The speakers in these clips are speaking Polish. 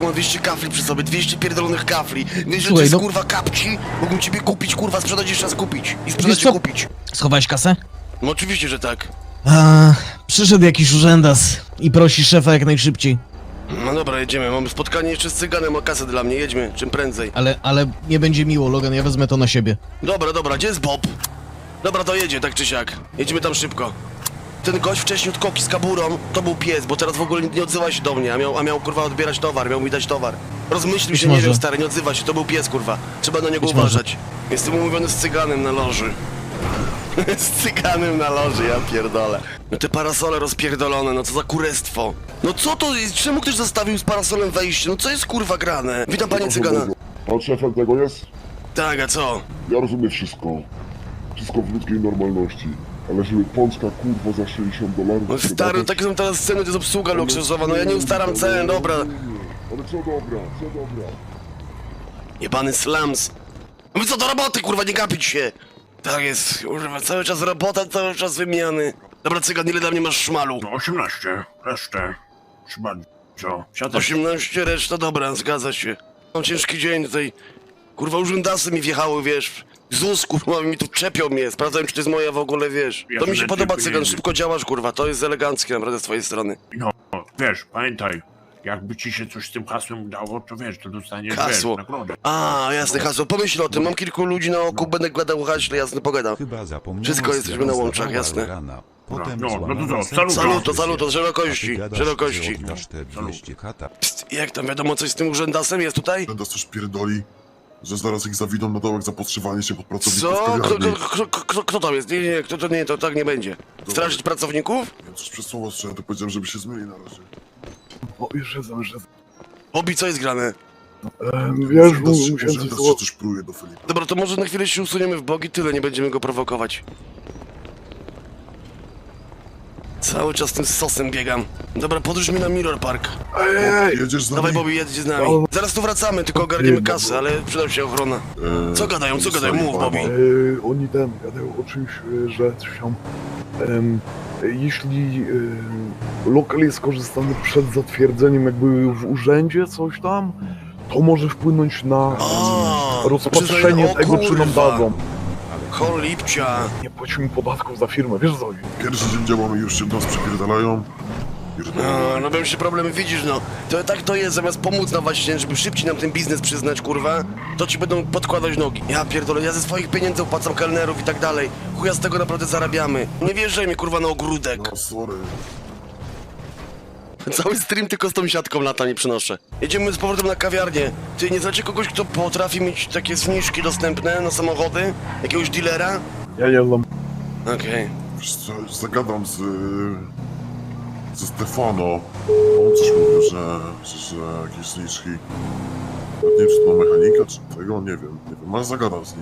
ma 200 kafli przy sobie, 200 pierdolonych kafli. Wiesz, że to Słuchaj, jest no- kurwa kapci? Mógłbym ciebie kupić, kurwa, sprzedać jeszcze raz kupić. I sprzedać Wiesz co? i kupić. Schowałeś kasę? No oczywiście, że tak. Przyszedł jakiś urzędas i prosi szefa jak najszybciej. No dobra, jedziemy. Mamy spotkanie jeszcze z cyganem, ma kasę dla mnie, jedźmy, czym prędzej. Ale nie będzie miło, Logan, ja wezmę to na siebie. Dobra, gdzie jest Bob? Dobra, to jedzie, tak czy siak. Jedziemy tam szybko. Ten gość wcześniej od koki z kaburą, to był pies, bo teraz w ogóle nie odzywa się do mnie, a miał kurwa odbierać towar, miał mi dać towar. Rozmyślił Być się, nie może. wiem stary, nie odzywa się, to był pies kurwa. Trzeba na niego Być może. uważać. Jestem umówiony z cyganem na loży. Z cyganem na loży, ja pierdolę. No te parasole rozpierdolone, no co za kurestwo. No co to jest? Czemu ktoś zostawił z parasolem wejście? No co jest kurwa grane? Witam panie cygana. Pan szefem tego jest? Tak, a co? Ja rozumiem wszystko. Wszystko w ludzkiej normalności. Ale żeby Polska kurwa za 60 dolarów... No stary, takie są teraz ceny, to jest obsługa luksusowa, no ja nie ustaram cen, dobra. Ale co dobra, co dobra. Jebany slums. No co do roboty, kurwa, nie gapić się. Tak jest, kurwa, cały czas robota, cały czas wymiany. Dobra, cygan, ile dla mnie masz szmalu? No 18, resztę. Trzeba co? Siadać. 18, reszta, dobra, zgadza się. Mam ciężki dzień tutaj. Kurwa, urzędasy mi wjechały, wiesz. ZUS, kurwa, mi tu czepią mnie, sprawdzają, czy to jest moja w ogóle, wiesz. Ja To mi tu się lepiej podoba, powinienem. cygan, szybko działasz, kurwa, to jest eleganckie naprawdę z twojej strony. No, wiesz, pamiętaj, jakby ci się coś z tym hasłem udało, to wiesz, to dostaniesz, Hasło. wiesz, nagrodę. A, jasne, hasło, pomyśl o tym, mam kilku ludzi na oku, będę gadał haśle, jasne, pogadam. Chyba zapomniano. Wszystko jesteśmy na łączach, jasne. Potem No, no to złamano co, serce. Saluto, szerokości, A ty gadasz, szerokości. że oddasz te 200 kata. Psst, jak tam wiadomo coś z tym urzędasem jest tutaj? Będę coś pierdoli, że zaraz ich zawidą na dołek za podszywanie się pod pracowników Co? kawiarni. Kto tam jest? Nie, to tak nie będzie. Strażyć pracowników? Ja coś przez słowo strzałem, to powiedziałem, żeby się zmyli na razie. O, już jestem. Bobby, co jest grane? Wiesz, Urzędas musiałem się coś coś pruje do Filipa. Dobra, to może na chwilę się usuniemy w bogi, tyle, nie będziemy go prowokować. Cały czas tym sosem biegam. Dobra, podróż mi na Mirror Park. Ej, Jedziesz z Dawaj, nami? Bobby, jedź z nami. Zaraz tu wracamy, tylko ogarniemy kasę, ale przydał się ochrona. Co gadają, mów, Bobby. oni gadają o czymś, że coś tam... jeśli lokal jest korzystany przed zatwierdzeniem jakby w urzędzie coś tam, to może wpłynąć na O, rozpatrzenie o tego, czy nam kurwa. dadzą. Cholipcia. Nie płacimy podatków za firmę, wiesz co chodzi? Pierwszy dzień działamy, już się do nas przypierdalają. No wiem się problemy, widzisz no. To tak to jest, zamiast pomóc nam właśnie, żeby szybciej nam ten biznes przyznać, kurwa, to ci będą podkładać nogi. Ja pierdolę, ja ze swoich pieniędzy opłacam kelnerów i tak dalej. Chuja z tego naprawdę zarabiamy. Nie wjeżdżaj mi, kurwa, na ogródek. No sorry. Cały stream tylko z tą siatką lata nie przynoszę. Jedziemy z powrotem na kawiarnię. Ty nie znacie kogoś, kto potrafi mieć takie zniżki dostępne na samochody? Jakiegoś dealera? Ja nie znam. Okej. Wiesz co, zagadam ze Stefano. On coś mówił, że jakieś zniżki. Nie wiem, czy to mechanika, czy tego, nie wiem. Ale zagadam z nim.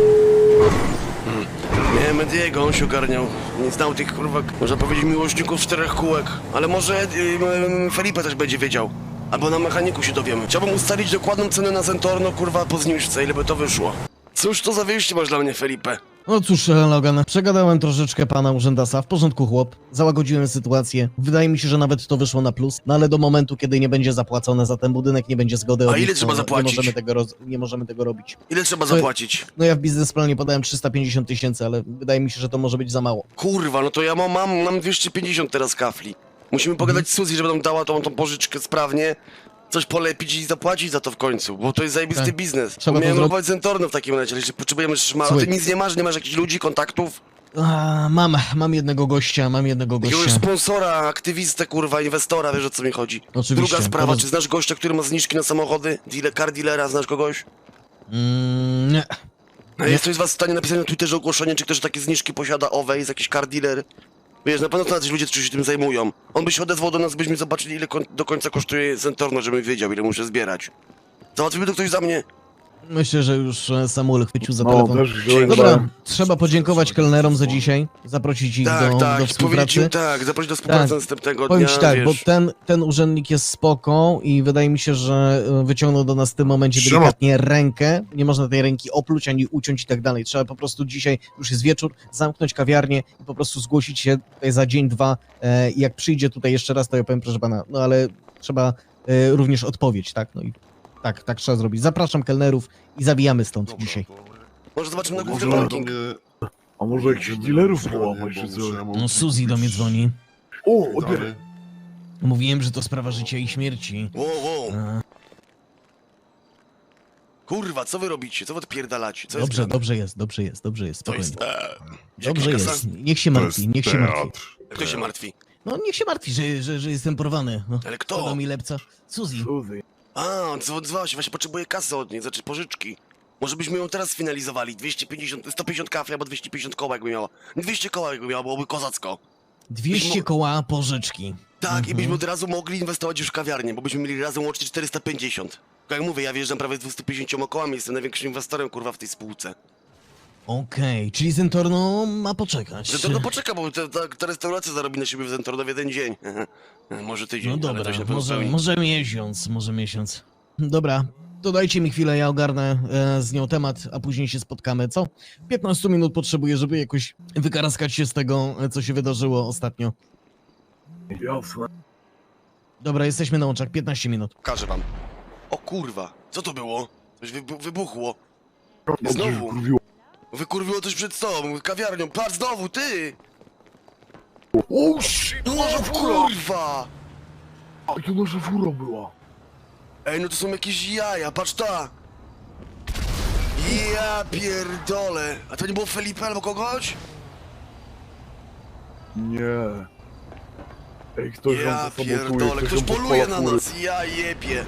Nie, Mediego, on się ogarniał. Nie znał tych, kurwa, można powiedzieć, miłośników czterech kółek. Ale może Felipe też będzie wiedział. Albo na mechaniku się dowiemy. Chciałbym ustalić dokładną cenę na Zentorno, kurwa, po zniżce, ile by to wyszło. Cóż to za wyjście masz dla mnie, Felipe? No cóż, Logan, przegadałem troszeczkę pana urzędasa, w porządku chłop, załagodziłem sytuację. Wydaje mi się, że nawet to wyszło na plus, no ale do momentu, kiedy nie będzie zapłacone za ten budynek, nie będzie zgody A od ile nich, trzeba to zapłacić? Nie możemy tego robić. Ile trzeba To- zapłacić? No ja w biznesplanie podałem 350 tysięcy, ale wydaje mi się, że to może być za mało. Kurwa, no to ja mam 250 teraz kafli. Musimy pogadać z Suzy, żeby nam dała tą pożyczkę sprawnie. Coś polepić i zapłacić za to w końcu, bo to jest zajebisty Tak. biznes. Trzeba to Miałem zrobić. robić Zentorno w takim razie, jeśli potrzebujemy szmalu. Słuchaj. Ty nic nie masz jakichś ludzi, kontaktów? Mam jednego gościa, Jakiegoś sponsora, aktywistę, kurwa, inwestora, wiesz o co mi chodzi. Oczywiście. Druga sprawa, Poroz- czy znasz gościa, który ma zniżki na samochody? Car dealera, znasz kogoś? Nie. A jest ktoś z was w stanie napisać na Twitterze ogłoszenie, czy ktoś takie zniżki posiada owe, jest jakiś car dealer? Wiesz, na pewno to jacyś ludzie, którzy się tym zajmują. On by się odezwał do nas, byśmy zobaczyli, ile do końca kosztuje Zentorno, żebym wiedział, ile muszę zbierać. Załatwiłby to ktoś za mnie? Myślę, że już Samuel chwycił za No, telefon. też wziąłem. Dobra, trzeba podziękować kelnerom za dzisiaj, zaprosić ich Tak, do powiedzieć współpracy. im tak, zaprosić do współpracy Tak. następnego Powiem dnia, ci tak, wiesz. bo ten urzędnik jest spoko i wydaje mi się, że wyciągnął do nas w tym momencie Siema. delikatnie rękę. Nie można tej ręki opluć ani uciąć i tak dalej. Trzeba po prostu dzisiaj, już jest wieczór, zamknąć kawiarnię i po prostu zgłosić się tutaj za dzień, dwa. I jak przyjdzie tutaj jeszcze raz, to ja powiem, proszę pana, no ale trzeba również odpowiedź, tak? No i tak trzeba zrobić. Zapraszam kelnerów i zawijamy stąd Dobra, dzisiaj. to... Może zobaczymy na Może główny do parking. mnie... A może jakichś dealerów Bo połapać, czy muszę- co? ja mam No Suzy do mnie kupić dzwoni. O, odbieraj. dane. Mówiłem, że to sprawa życia i śmierci. Wow. A, Kurwa, co wy robicie? Co wy odpierdalacie? Co dobrze, jest dobrze jest, To spokojnie. jest... Dobrze jaka jest, kasa? niech się To martwi, jest niech się martwi. teatr. Kto się martwi? No niech się martwi, że jestem porwany. No. Ale kto? Podał mi lepca. Suzy. Suzy. A, dzwoniła się, właśnie potrzebuje kasy od niej, znaczy pożyczki. Może byśmy ją teraz sfinalizowali. 150 kafli albo 250 koła jakby miała. 200 koła jakby miała, byłoby kozacko. 200 koła pożyczki. Tak, i byśmy od razu mogli inwestować już w kawiarnię, bo byśmy mieli razem łącznie 450. Tak jak mówię, ja wjeżdżam prawie 250 kołami, jestem największym inwestorem, kurwa, w tej spółce. Okej, czyli Zentorno ma poczekać. Zentorno poczeka, bo ta restauracja zarobi na siebie w Zentorno w jeden dzień. Może tydzień, No ale dobra, to się na pewno spełni. może miesiąc. Dobra, to dajcie mi chwilę, ja ogarnę z nią temat, a później się spotkamy, co? 15 minut potrzebuję, żeby jakoś wykaraskać się z tego, co się wydarzyło ostatnio. Jasne. Dobra, jesteśmy na łączach, 15 minut. Pokażę wam. O kurwa, co to było? Coś wybuchło. Dobrze, Znowu. że kurwiło. Wykurwiło coś przed tobą, kawiarnią. Patrz znowu, ty! O, shit, No nasza fura! kurwa! A to nasza fura była. Ej, no to są jakieś jaja, patrz ta! Ja pierdolę! A to nie było Felipe albo kogoś? Nie. Ej, ktoś Ja nam to sabotuje, pierdolę, ktoś nam poluje podpala na fury. nas, ja jebie!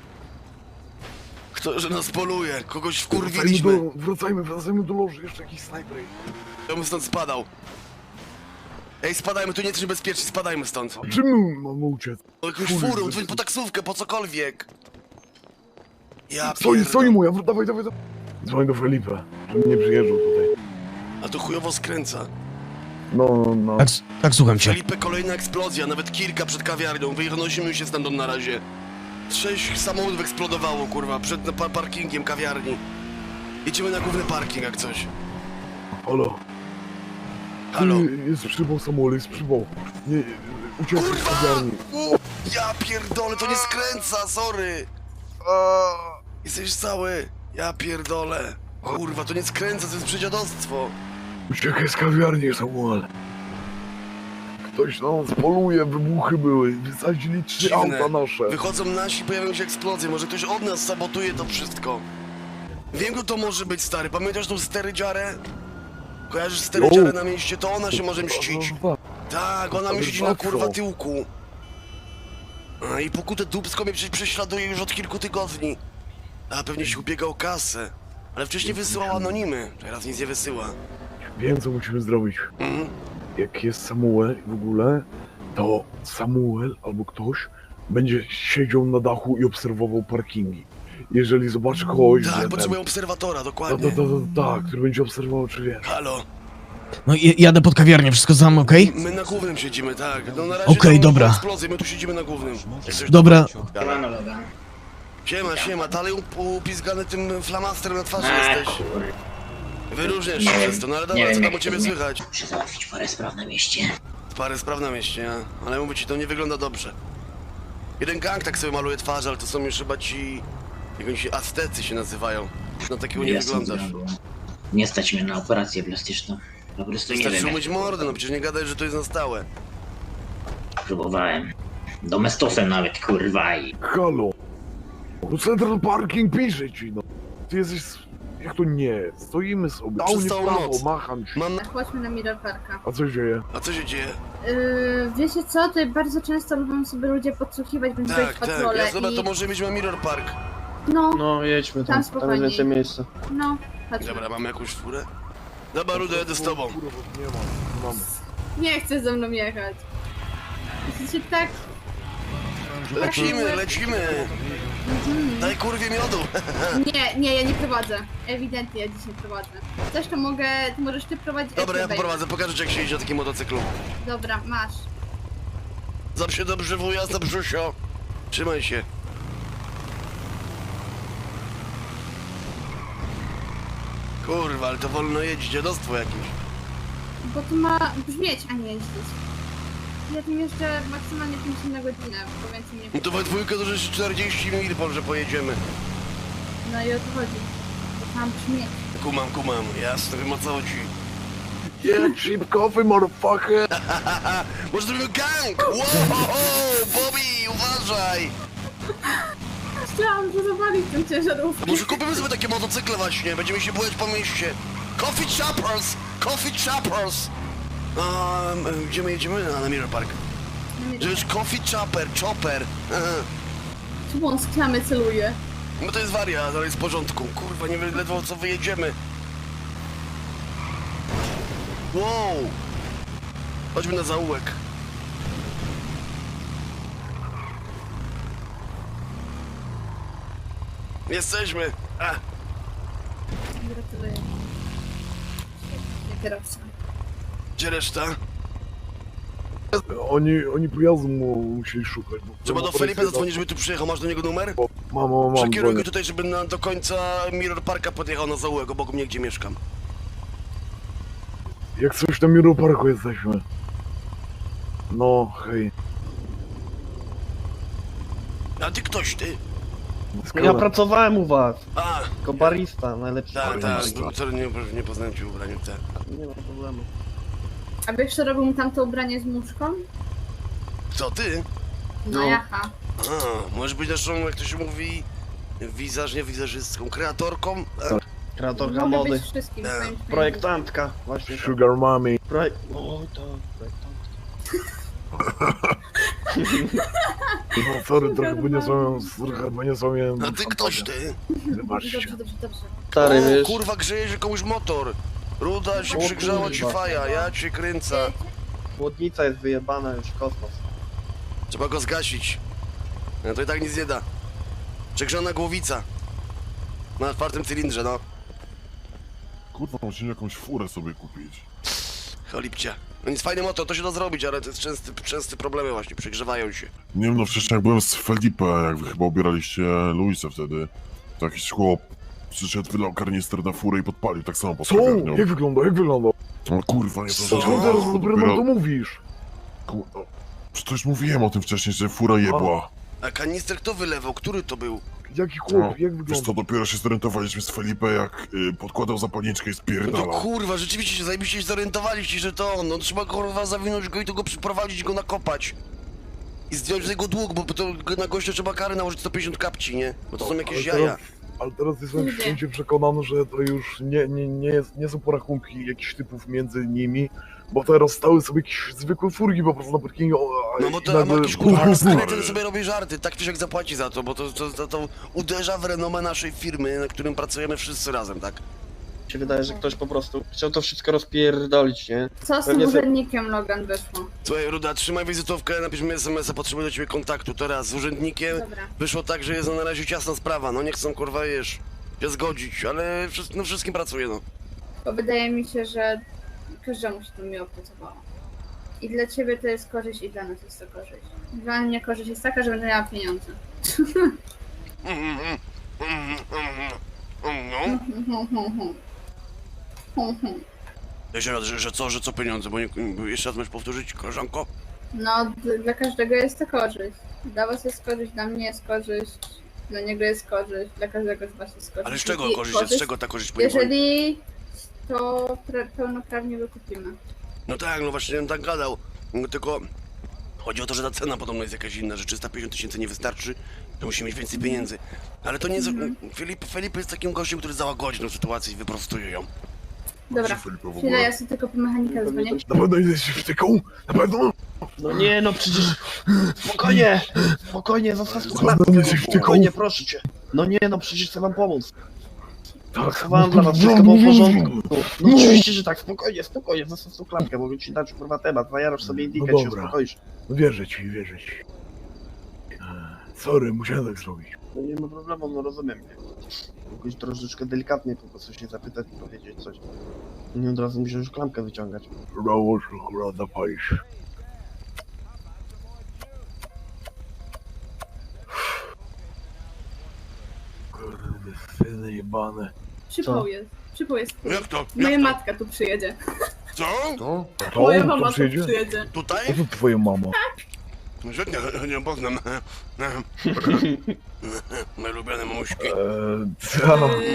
Kto, że nas poluje? Kogoś Wracajmy wkurwiliśmy. wracajmy do loży, jeszcze jakiś snajper. Ja bym stąd spadał. Ej, spadajmy, tu nie jesteśmy bezpieczni, spadajmy stąd. Czym my mamy uciec? O jakąś Fury, furą, bez- dzwoń po taksówkę, po cokolwiek. Ja Stoi pierdolę. moja, dawaj. Dzwoń do Felipe, żeby nie przyjeżdżał tutaj. A to chujowo skręca. No. Tak, słucham cię. Felipe, kolejna eksplozja, nawet kilka przed kawiarnią. Wynosimy się stamtąd na razie. 6 samochodów eksplodowało, kurwa, przed parkingiem kawiarni. Jedziemy na główny parking, jak coś. Halo. Halo. Jest przybał Samuel, jest przybał. Nie, uciekł z Kurwa! kawiarni. Ja pierdolę, to nie skręca, sorry! Jesteś cały. Ja pierdolę. Kurwa, to nie skręca, to jest przedziadostwo. Uciekaj z kawiarni, Samuel. Ktoś na nas poluje, wybuchy były, wysadzili 3 Dziwne. auta nasze. Wychodzą nasi, pojawią się eksplozje. Może ktoś od nas sabotuje to wszystko. Wiem, kto to może być, stary. Pamiętasz tą sterydziarę? Kojarzysz sterydziarę na mieście? To ona się może mścić. Tak, ona mi Ale siedzi na łatwo. kurwa tyłku. A i pokute dupsko mnie przecież prześladuje już od kilku tygodni. A pewnie się ubiega o kasę. Ale wcześniej wysyłał anonimy. Teraz nic nie wysyła. Wiem, co musimy zrobić. Mhm. Jak jest Samuel w ogóle, to Samuel albo ktoś będzie siedział na dachu i obserwował parkingi. Jeżeli zobaczy kogoś, Tak, że potrzebuję obserwatora, ten, dokładnie. tak, który będzie obserwował, czy wie. Halo. No jadę pod kawiarnię, wszystko sam, okej? My na głównym siedzimy, tak. No na razie Okej, tam dobra. eksplozje, my tu siedzimy na głównym. Jak coś Dobra. Siema, dalej upizgany tym flamasterem na twarzy jesteś. Wyróżniasz się przez to, no ale dobra, co tam u ciebie słychać? Muszę załatwić parę spraw na mieście. Parę spraw na mieście, ale mówię ci, to nie wygląda dobrze. Jeden gang tak sobie maluje twarz, ale to są już chyba ci... Jak oni się Aztecy się nazywają. Na takiego nie Jasne, wyglądasz. zrobię. Nie stać mnie na operację plastyczną. Po prostu nie Wystarczy wiem, umyć jak mordę, no przecież nie gadaj, że to jest na stałe. próbowałem. Domestosem nawet, kurwa i... Halo! No Central Parking pisze ci, no. Ty jesteś... Jak to nie? Stoimy sobie. Dał Przez nie w całą prawo, noc. macham ci. Mam na... Chodźmy na Mirror Parka. A co się dzieje? A co się dzieje? Wiecie co, tutaj bardzo często lubią sobie ludzie podsłuchiwać, bądź Tak, tak, patrole ja dobra, i... to może mieć na Mirror Park. No, No, jedźmy Tam tam, tam spokojniej. jest więcej miejsca. no, chodźmy. Dobra, mamy jakąś furę? Dobra, Rudo, jedę z tobą. Kurwa, nie ma. Mamy. Nie chcę ze mną jechać. Jesteście tak... Lecimy! Daj kurwie miodu! Nie, ja nie prowadzę. Ewidentnie ja dzisiaj prowadzę. Coś to mogę, to możesz ty prowadzić. Dobra, ja ty poprowadzę, pokażę ci jak się jeździ na takim motocyklu. Dobra, masz. Zap się dobrze, wuja, za brzusio. Trzymaj się. Kurwa, ale to wolno jeździ, dziadostwo jakieś. Bo to ma brzmieć, a nie jeździć. Ja tym jeszcze maksymalnie 5 na godzinę, bo więcej nie... No to we dwójkę to już 40 mil, że pojedziemy. No i o to chodzi. To tam brzmi. Kumam, jasne, wiem o co chodzi. Yeah, cheap coffee, motherfucker! Może zrobimy gang! Wow, Bobby, uważaj! Chciałam to zawalić tą ciężarówkę. Może kupimy sobie takie motocykle właśnie, będziemy się bujać po mieście. Coffee choppers! Coffee choppers! Gdzie my jedziemy? Na Mirror Park. To jest coffee chopper. Aha. Czemu on z klamy celuje? No to jest wariat, ale jest w porządku. Kurwa, nie wiem ledwo co wyjedziemy. Wow! Chodźmy na zaułek. Jesteśmy! Gratuluję. Nie kierowca. Gdzie reszta? Oni pojazdu musieli szukać. Bo Trzeba do Felipe zadzwonić, żeby tu przyjechał. Masz do niego numer? Mam. Przekieruj go dzwonię. tutaj, żeby do końca Mirror Parka podjechał na zaułek, obok mnie, gdzie mieszkam. Jak coś na Mirror Parku jesteśmy. No, hej. A ty ktoś, ty? Ja pracowałem u was, A, jako barista, najlepszy tak, barista. sorry, nie poznałem cię w ubraniu, tak. Nie ma problemu. A wiesz, co robił mu tamto ubranie z muszką? Co, ty? No jaha. A, możesz być naszą, jak to się mówi, nie wizerzystką, kreatorką? Kreatorka Mogę mody, być wszystkim Tak. swoim projektantka, właśnie tak. Sugar Mommy. O, tak, projektantka. No sorry, trochę poniosłem A ty ktoś, ty? Wybaczcie. Dobrze. Stary, O, wiesz, kurwa, grzeje się komuś motor. Ruda się O, przygrzała ci kurwa. faja, ja cię kręcę. chłodnica jest wyjebana już w kosmos. Trzeba go zgasić. No to i tak nic nie da. Przegrzana głowica. Na czwartym cylindrze, no. Kurwa, musimy jakąś furę sobie kupić. Cholipcia. No nic, fajny motor, to się da zrobić, ale to jest częsty problemy właśnie, przegrzewają się. Nie wiem, no wcześniej jak byłem z Felipe, jak wy chyba ubieraliście Luisa wtedy, to jakiś chłop przyszedł, wylał karnister na furę i podpalił, tak samo pod Co? kawiarnią. Jak wygląda? No kurwa, nie to Co teraz dopiero nam to mówisz? Kurwa. Przecież mówiłem o tym wcześniej, że fura jebła. A kanister kto wylewał? Który to był? Jaki No, chłop? Jak wiesz wygląda? co, dopiero się zorientowaliśmy z Felipe, jak podkładał zapalniczkę i No to spierdalał. kurwa, rzeczywiście się zajebiście się zorientowaliście, że to on. No trzeba kurwa zawinąć go i tu go przyprowadzić, go nakopać. I zdjąć z jego dług, bo to na gościa trzeba karę nałożyć 150 kapci, nie? Bo to są jakieś jaja. Ale teraz jestem Ludzie. święcie przekonany, że to już nie są porachunki jakichś typów między nimi, bo teraz stały sobie jakieś zwykłe furgi po prostu na parkingu. No bo to ma jakiś kurwa skryty sobie robi żarty, tak czy jak zapłaci za to, bo to uderza w renomę naszej firmy, na którym pracujemy wszyscy razem, tak? Mi się wydaje, że ktoś po prostu chciał to wszystko rozpierdolić, nie? Co z tym Pewnie se- urzędnikiem Logan wyszło? Słuchaj, Ruda, trzymaj wizytówkę, napisz mi SMS-a, potrzebuję do ciebie kontaktu teraz z urzędnikiem. Dobra. Wyszło tak, że jest na razie ciasna sprawa, no nie chcą kurwa się zgodzić, ale no wszystkim pracuję, no. Bo wydaje mi się, że każdemu się to miło pracowało. I dla ciebie to jest korzyść, i dla nas jest to korzyść. Dla mnie korzyść jest taka, że będę miała pieniądze. No. Jeszcze raz, że co pieniądze, bo jeszcze raz możesz powtórzyć, koleżanko? No, dla każdego jest to korzyść. Dla was jest korzyść, dla mnie jest korzyść, dla niego jest korzyść, dla każdego z was jest korzyść. Ale z czego I korzyść jest? Z czego ta korzyść płynie? Jeżeli to pełnoprawnie wykupimy. No tak, no właśnie, tak gadał. No tylko chodzi o to, że ta cena podobno jest jakaś inna, że 350 000 nie wystarczy, to musi mieć więcej pieniędzy. Ale to nie jest... Felipe jest takim gościem, który załagodzi tą sytuację i wyprostuje ją. Dobra, Felipe w chwilę, ogóle. ja sobie tylko po mechanika dzwonię. Na pewno jesteś wtyką? Na pewno? No nie, no przecież... Spokojnie, zostaw tu Co, klatkę, no jesteś wtyką? spokojnie, proszę cię. No nie, no przecież chcę wam pomóc. Tak, Pracowałem dla was, wszystko było w porządku. No oczywiście, że tak, spokojnie, zostaw tu klatkę, mogę ci dać kurwa temat, zajarasz sobie indykę, się dobra. uspokoisz. No wierzę ci. Sorry, musiałem tak zrobić. No nie ma problemu, no rozumiem. Jakoś troszeczkę delikatnie po prostu się zapytać i powiedzieć coś. Nie od razu musisz klamkę wyciągać. Brawo, że akurat zapalisz. Kurde, syny jebane. Przypał jest. Jak to? Moja Jak to? matka tu przyjedzie. Co? To? To Moja on mama tam tu przyjedzie? przyjedzie. Tutaj? O co twoja mama? Świetnie, nie poznam. Moje ulubione mamuśki. Co?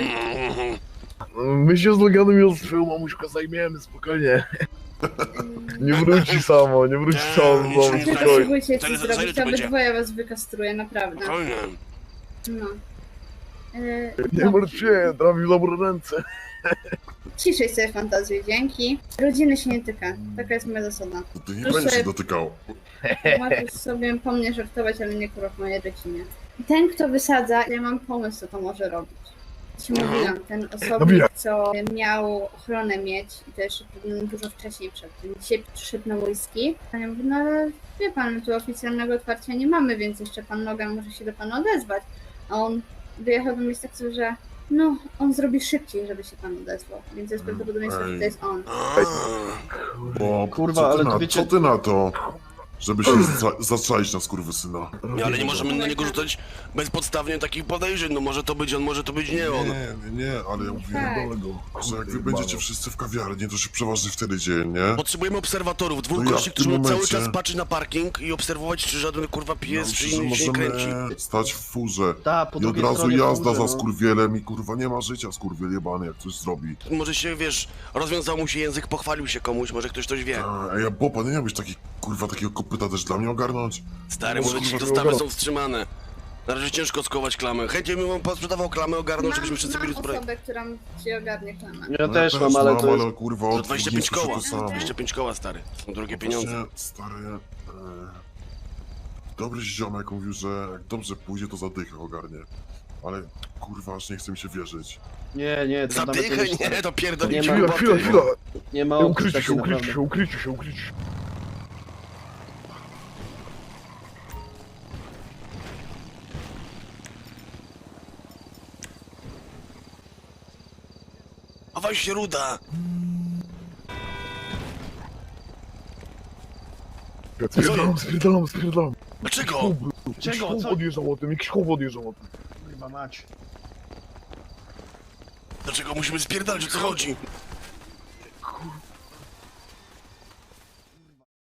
My się z Loganem już swoją mamuśką zajmiemy, spokojnie. Nie wróci samo, nie wróci samo, nic nie Nie Spokojnie. potrzebujecie Za ci ile- za ile zrobić, to to będzie? obydwoje was wykastruję, naprawdę. Spokojnie. No. Nie martw się, trafił dobre ręce. Ciszej sobie fantazję, dzięki. Rodziny się nie tyka, taka jest moja zasada. Ty nie Proszę. będziesz się dotykał. Możesz sobie po mnie żartować, ale nie kurwa w mojej rodzinie. Ten, kto wysadza, ja mam pomysł, co to może robić. Ci mówiłam, ten osobnik, co miał ochronę mieć, i to jeszcze dużo wcześniej przed tym. Dzisiaj przyszedł na whisky. A ja mówię, no ale wie pan, tu oficjalnego otwarcia nie mamy, więc jeszcze pan Logan może się do pana odezwać. A on wyjechał do mnie z tak, że no, on zrobi szybciej, żeby się pan odezwał. Więc jest prawdopodobieństwo, że to jest on. Bo Kurwa, co ty ale to na, wiecie- co ty na to, żeby się zaczaić na skurwysyna? Ale nie możemy na niego rzucać bezpodstawnie takich podejrzeń. No może to być on, może to być nie on. Nie, ale ja mówię, Tak. że jak wy będziecie wszyscy w kawiarni, to się przeważnie wtedy dzieje, nie? Potrzebujemy obserwatorów, dwóch No ja gości, w którzy tym będą cały momencie- czas patrzeć na parking i obserwować, czy żaden kurwa pies, czy Myślę, że inny się nie kręci. możemy stać w furze Ta, po i od drugiej razu stronie jazda furze, za no. skurwielem i kurwa nie ma życia skurwiel jebany, jak coś zrobi. Może się, wiesz, rozwiązał mu się język, pochwalił się komuś, może ktoś coś wie. A ja Boba, nie miałbyś taki kurwa takiego kopyta też dla mnie ogarnąć? Stary, Może może ci kurwa dostawy nie są wstrzymane. Na razie ciężko skować klamę. Chętnie bym wam posprzedawał klamę, ogarnął, żebyśmy wszyscy byli Mam zbrojeni. osobę, która ci ogarnie klamę. Ja też mam, ale to jest... kurwa To od 25 dwóch koła. to samo. 25 koła, stary. Są drogie pieniądze. Właśnie, stary, dobry ziomek mówił, że jak dobrze pójdzie, to zadychę ogarnie. Ale kurwa, aż nie chce mi się wierzyć. Nie, to nawet Zadychę, nie nie, to pierdolicie. Nie ma- Chwila, chwila, chwila. Nie ma opcji Ukrycie się, takiej ukrycie naprawdę. się, ukrycie się, ukrycie się. A weź się ruda. Spierdalam. Dlaczego? Czego? Jakiś Co? chłop odjeżdżał o tym, jakiś chłop odjeżdżał o tym. Kurwa mać. Dlaczego musimy spierdalać, o co chodzi?